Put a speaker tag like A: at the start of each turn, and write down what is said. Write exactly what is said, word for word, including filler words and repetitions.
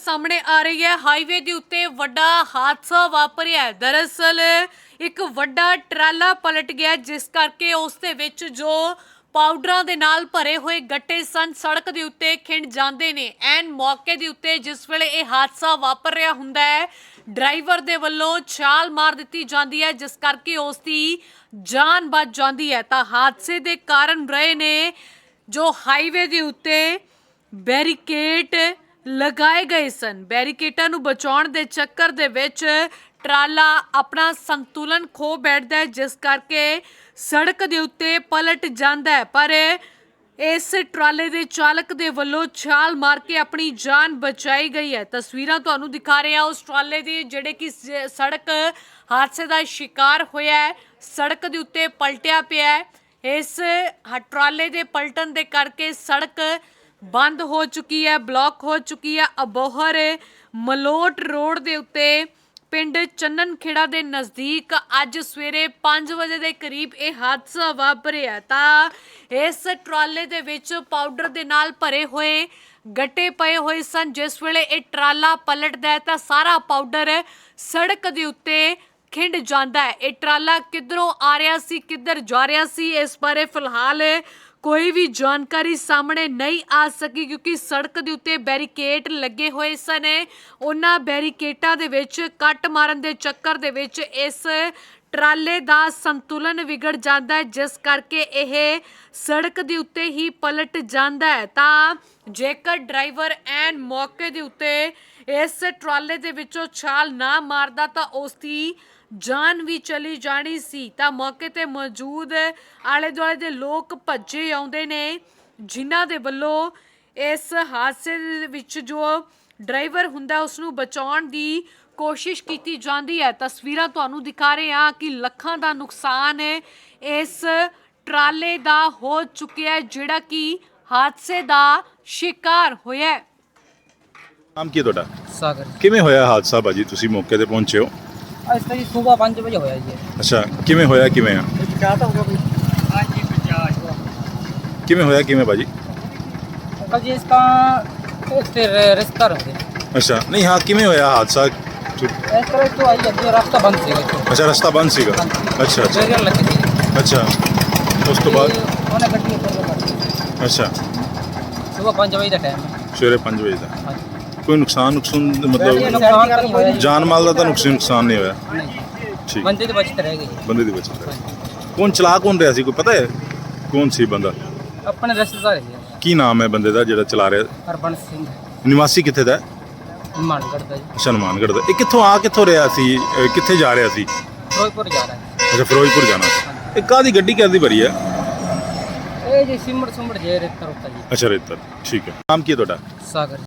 A: सामने आ रही है। हाईवे के उत्ते वड्डा हादसा वापरिया है। दरअसल एक वड्डा ट्राला पलट गया जिस करके उस दे विच जो पाउडरां दे नाल भरे हुए गट्टे सन सड़क दे उत्ते खिंड जांदे ने। एन मौके दे उत्ते जिस वेले ये हादसा वापर रहा हुंदा है ड्राइवर दे वल्लों छाल मार दित्ती जांदी है जिस करके उस दी जान बच जांदी है। तां हादसे दे कारण रहे ने जो हाईवे दे उत्ते बैरीकेड लगाए गए सन। बैरीकेडां नूं बचाउण दे चक्कर दे विच ट्राला अपना संतुलन खो बैठदा है जिस करके सड़क दे उत्ते पलट जांदा है। पर इस ट्राले दे चालक दे वल्लों छाल मार के अपनी जान बचाई गई है। तस्वीरां तुहानूं दिखा रहे हैं उस ट्राले दी जिहड़े कि सड़क हादसे दा शिकार होया है, सड़क दे उत्ते पलटिया पिया है। इस ट्राले दे पलटन दे करके सड़क बंद हो चुकी है, ब्लॉक हो चुकी है। अबोहर मलोट रोड दे उत्ते पिंड चन्नन खेड़ा दे नज़दीक अज सवेरे पाँच बजे के करीब ये हादसा वापरिया। तां इस ट्राले दे विच पाउडर दे नाल भरे हुए गट्टे पए हुए सन। जिस वेले ये ट्राला पलटदा है तां सारा पाउडर सड़क दे उत्ते खिंड जांदा है। ये ट्राला किधरों आ रहा सी किधर जा रहा सी इस बारे फिलहाल कोई भी जानकारी सामने नहीं आ सकी क्योंकि सड़क दे उत्ते बैरीकेड लगे हुए सन। उन्हां बैरीकेडां दे विच कट मारन दे चक्कर दे विच इस ट्राले दा संतुलन विगड़ जाता है जिस करके यह सड़क दे उत्ते ही पलट जाता है। तां जेकर ड्राइवर एन मौके दे उत्ते इस ट्राले दे विचों छाल ना मारदा तां उसदी जान भी चली जानी सी। तां मौके ते मौजूद आले दुआले दे लोग भज्जे आउंदे ने जिन्हां दे वल्लों इस हादसे दे विच जो ड्राइवर हुंदा उसनूं बचाउण दी कोशिश की जाती है। तस्वीरां तुहानूं दिखा रहे हैं कि लखां दा नुकसान इस ट्राले दा हो चुकिया है जिहड़ा कि हादसे दा शिकार होया है।
B: नाम की तुहाडा?
C: सागर।
B: किवें होया हादसा भाजी, तुसीं मौके ते पहुंचे हो?
C: ਅੱਜ ਤਾਂ ਜੀ ਸਵੇਰ ਪੰਜ ਵਜੇ ਹੋਇਆ ਜੀ।
B: ਅੱਛਾ, ਕਿਵੇਂ ਹੋਇਆ ਕਿਵੇਂ ਆ?
C: ਪਚਾਸ ਹੋ ਗਿਆ ਬਈ। ਹਾਂਜੀ ਪਚਾਸ।
B: ਕਿਵੇਂ ਹੋਇਆ ਕਿਵੇਂ ਭਾਜੀ?
C: ਅੰਕਲ ਜੀ ਇਸਕਾ ਤੇ ਰਿਸ਼ਤਾ रहते।
B: ਅੱਛਾ, ਨਹੀਂ ਹਾਂ ਕਿਵੇਂ ਹੋਇਆ ਹਾਦਸਾ?
C: ਇਸ ਤਰ੍ਹਾਂ ਤੋਂ ਆਈ ਅੱਗੇ ਰਸਤਾ ਬੰਦ ਸੀਗਾ ਇੱਥੇ।
B: ਅੱਛਾ, ਰਸਤਾ ਬੰਦ ਸੀਗਾ। ਅੱਛਾ ਅੱਛਾ
C: ਬੈਰੀਅਰ ਲੱਗੀ ਸੀ।
B: ਅੱਛਾ, ਉਸ ਤੋਂ ਬਾਅਦ
C: ਉਹਨੇ ਗੱਡੀ ਉੱਪਰ ਲਗਾ
B: ਅੱਛਾ
C: ਸਵੇਰ ਪੰਜ ਵਜੇ ਦਾ ਟਾਈਮ ਹੈ।
B: ਸਵੇਰੇ ਪੰਜ ਵਜੇ ਦਾ
C: ਹਾਂਜੀ।
B: ਕੋਈ ਨੁਕਸਾਨ ਨੁਕਸਾਨ ਮਤਲਬ
C: ਨੁਕਸਾਨ ਤਾਂ ਨਹੀਂ ਹੋਇਆ ਜੀ।
B: ਜਾਨ ਮਾਲ ਦਾ ਤਾਂ ਨੁਕਸਾਨ ਨੁਕਸਾਨ ਨਹੀਂ ਹੋਇਆ?
C: ਨਹੀਂ।
B: ਠੀਕ,
C: ਬੰਦੇ ਦੀ ਬਚਤ ਰਹਿ ਗਈ।
B: ਬੰਦੇ ਦੀ ਬਚਤ ਹੈ। ਕੌਣ ਚਲਾ ਕੌਣ ਰਿਹਾ ਸੀ, ਕੋਈ ਪਤਾ ਹੈ ਕੌਣ ਸੀ ਬੰਦਾ?
C: ਆਪਣੇ ਰਿਸ਼ਤੇਦਾਰ ਸੀ
B: ਕੀ ਨਾਮ ਹੈ ਬੰਦੇ ਦਾ ਜਿਹੜਾ ਚਲਾ ਰਿਹਾ?
C: ਹਰਬੰਸ ਸਿੰਘ।
B: ਨਿਵਾਸੀ ਕਿੱਥੇ ਦਾ?
C: ਮਾਨਗੜ੍ਹ ਦਾ ਜੀ।
B: ਅੱਛਾ, ਹਨੂੰਮਾਨਗੜ੍ਹ ਦਾ। ਇਹ ਕਿੱਥੋਂ ਆ ਕਿੱਥੋਂ ਰਿਹਾ ਸੀ, ਅਹ ਕਿੱਥੇ ਜਾ ਰਿਹਾ ਸੀ?
C: ਫਿਰੋਜ਼ਪੁਰ ਜਾ ਰਿਹਾ ਹੈ।
B: ਅੱਛਾ, ਫਿਰੋਜ਼ਪੁਰ ਜਾਣਾ ਸੀ। ਇਹ ਕਾਹਦੀ ਗੱਡੀ ਕਾਹਦੀ ਭਰੀ ਹੈ?
C: ਇਹ ਜੀ ਸਿਮੜ ਸੁਮੜ ਜੇ ਰੇਤਾ ਰੁੱਤਾ ਜੀ।
B: ਅੱਛਾ, ਰੇਤਰ। ਠੀਕ ਹੈ। ਨਾਮ ਕੀ ਹੈ ਤੁਹਾਡਾ?
C: ਸਾਗਰ।